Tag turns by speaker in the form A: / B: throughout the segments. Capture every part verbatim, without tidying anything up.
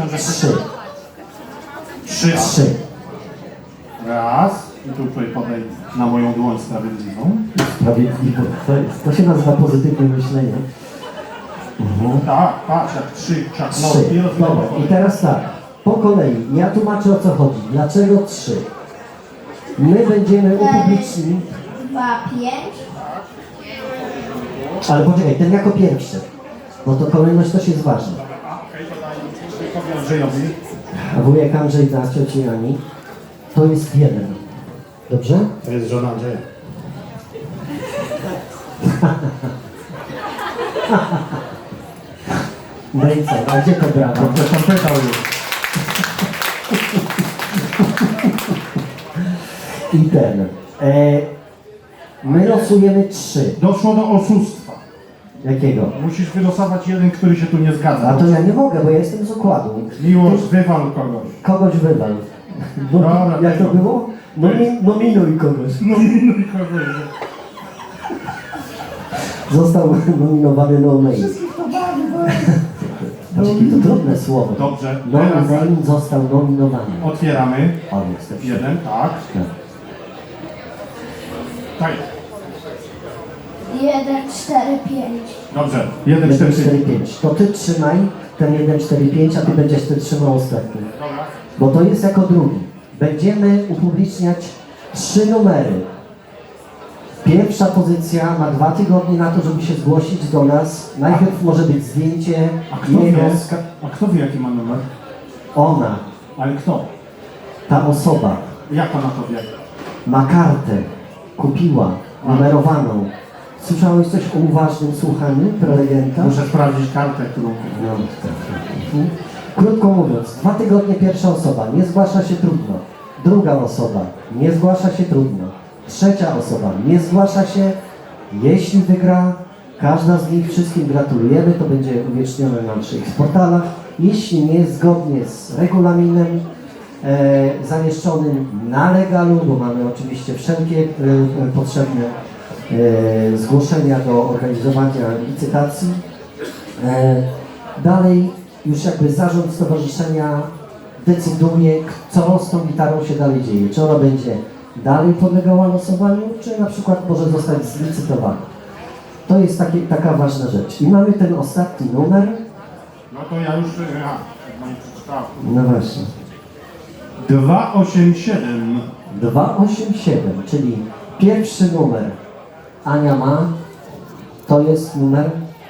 A: Myślałem, że
B: Trzy.
A: Trzy.
B: Trzy.
A: Raz. I tu tutaj podaj na moją dłoń sprawiedliwą.
B: Sprawiedliwe. To, jest, to się nazywa pozytywne myślenie. Mhm.
A: Tak, patrz, jak trzy czaknął
B: Trzy.
A: i rozmawiał.
B: Dobra, i teraz tak. Po kolei. Ja tłumaczę, o co chodzi. Dlaczego trzy? My będziemy upubliczni...
C: Dwa, pięć.
B: Ale poczekaj, ten jako pierwszy. No to kolejność też jest ważna.
A: Okej, to daj wujkowi Andrzejowi.
B: A wujek Andrzej da cioci Ani. To jest jeden. Dobrze?
A: To jest żona Andrzeja.
B: No i co? A gdzie to brawa?
A: Dobrze pan pytał już.
B: I ten. E, my losujemy trzy.
A: Doszło do oszustwa.
B: Jakiego?
A: Musisz wylosować jeden, który się tu nie zgadza.
B: A to ja nie mogę, bo ja jestem z układu.
A: Miłość, wywal kogoś.
B: Kogoś wywal. No,
A: Dobra,
B: jak to
A: dobra.
B: było? Nomi, nominuj kogoś.
A: Nominuj kogoś.
B: Został nominowany no name. Patrz, jakie to trudne słowo.
A: Dobrze,
B: No
A: teraz
B: name został nominowany.
A: otwieramy.
B: O, jest to
A: Jeden, tak.
B: Tak.
A: Tak.
C: Jeden, cztery, pięć.
A: Dobrze. Jeden,
B: jeden,
A: cztery,
B: cztery,
A: pięć.
B: pięć. To ty trzymaj ten jeden, cztery, pięć, a ty będziesz ty trzymał ostatni.
A: Dobra.
B: Bo to jest jako drugi. Będziemy upubliczniać trzy numery. Pierwsza pozycja ma dwa tygodnie na to, żeby się zgłosić do nas. Najpierw może być zdjęcie
A: A kto wie,
B: jego,
A: a kto wie jaki ma numer?
B: ona,
A: Ale kto?
B: ta osoba
A: Jak ona to wie?
B: ma kartę, kupiła, numerowaną. Słyszałeś coś o uważnym słuchaniu prelegenta?
A: Muszę sprawdzić kartę, którą...
B: No, tak, tak. Krótko mówiąc, dwa tygodnie pierwsza osoba, nie zgłasza się trudno. Druga osoba, nie zgłasza się trudno. Trzecia osoba, nie zgłasza się. Jeśli wygra, każda z nich, wszystkim gratulujemy, to będzie uwiecznione na naszych portalach. Jeśli nie, zgodnie z regulaminem e, zamieszczonym na legalu, bo mamy oczywiście wszelkie e, e, potrzebne e, zgłoszenia do organizowania licytacji. E, dalej już jakby zarząd stowarzyszenia decyduje, co z tą gitarą się dalej dzieje. Czy ona będzie dalej podlegała losowaniu, czy na przykład może zostać zlicytowana. To jest takie, taka ważna rzecz. I mamy ten ostatni numer.
A: No to ja już... Ja, no nie przeczytałem.
B: No właśnie.
A: dwa osiem siedem.
B: dwa osiem siedem, czyli pierwszy numer Ania ma. To jest numer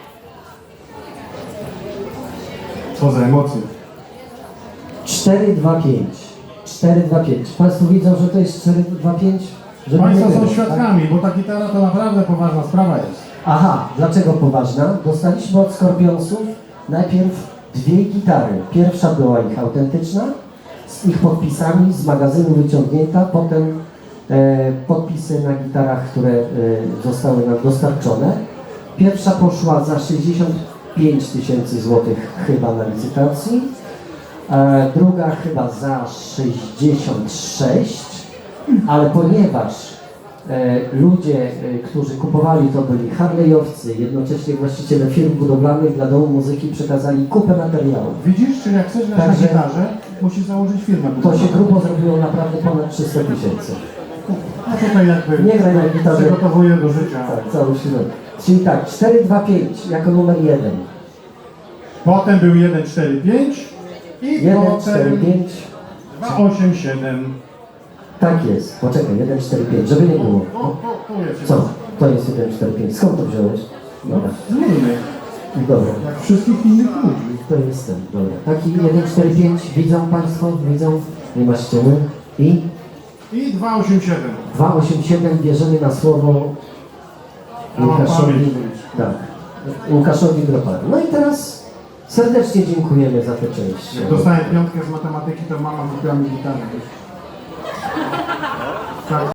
A: Co za emocje.
B: cztery dwa pięć. cztery dwa pięć. Państwo widzą, że to jest cztery dwa pięć? Żeby
A: Państwo
B: nie
A: są
B: było,
A: świadkami, bo ta gitara to naprawdę poważna sprawa jest.
B: Aha, dlaczego poważna? Dostaliśmy od Skorpionsów najpierw dwie gitary. Pierwsza była ich autentyczna, z ich podpisami, z magazynu wyciągnięta, potem e, podpisy na gitarach, które e, zostały nam dostarczone. Pierwsza poszła za sześćdziesiąt pięć tysięcy złotych chyba na licytacji, e, druga chyba za sześćdziesiąt sześć, ale ponieważ E, ludzie, e, którzy kupowali to, byli harlejowcy, jednocześnie właściciele firm budowlanych dla domu muzyki przekazali kupę materiałów.
A: Widzisz, czy jak chcesz grać
B: Także-
A: na gitarze, musisz założyć firmę.
B: To się grubo zrobiło naprawdę ponad trzysta tysięcy.
A: No tutaj jakby
B: Nie graj na gitarze.
A: przygotowuję do życia.
B: Tak, cały środek. Czyli tak, cztery dwa pięć jako numer jeden.
A: Potem był jeden cztery pięć i
B: jeden cztery
A: potem
B: pięć.
A: dwa osiem siedem.
B: Tak jest. Poczekaj, jeden cztery pięć, żeby nie było.
A: O, o, tu jest.
B: Co? To jest jeden cztery pięć. Skąd to wziąłeś? Dobra.
A: Z innych,
B: Dobra.
A: jak wszystkich innych ludzi.
B: To jest ten, dobra. Taki jeden cztery pięć, widzą Państwo? Widzą? Nie ma ściemy. I
A: I dwa osiem siedem.
B: dwa osiem siedem bierzemy na słowo
A: Ja mam
B: Łukaszowi.
A: pamięć.
B: Tak. Łukaszowi Groparu. No i teraz serdecznie dziękujemy za tę część.
A: Jak dostałem piątkę z matematyki, to mama kupiła mi gitarę.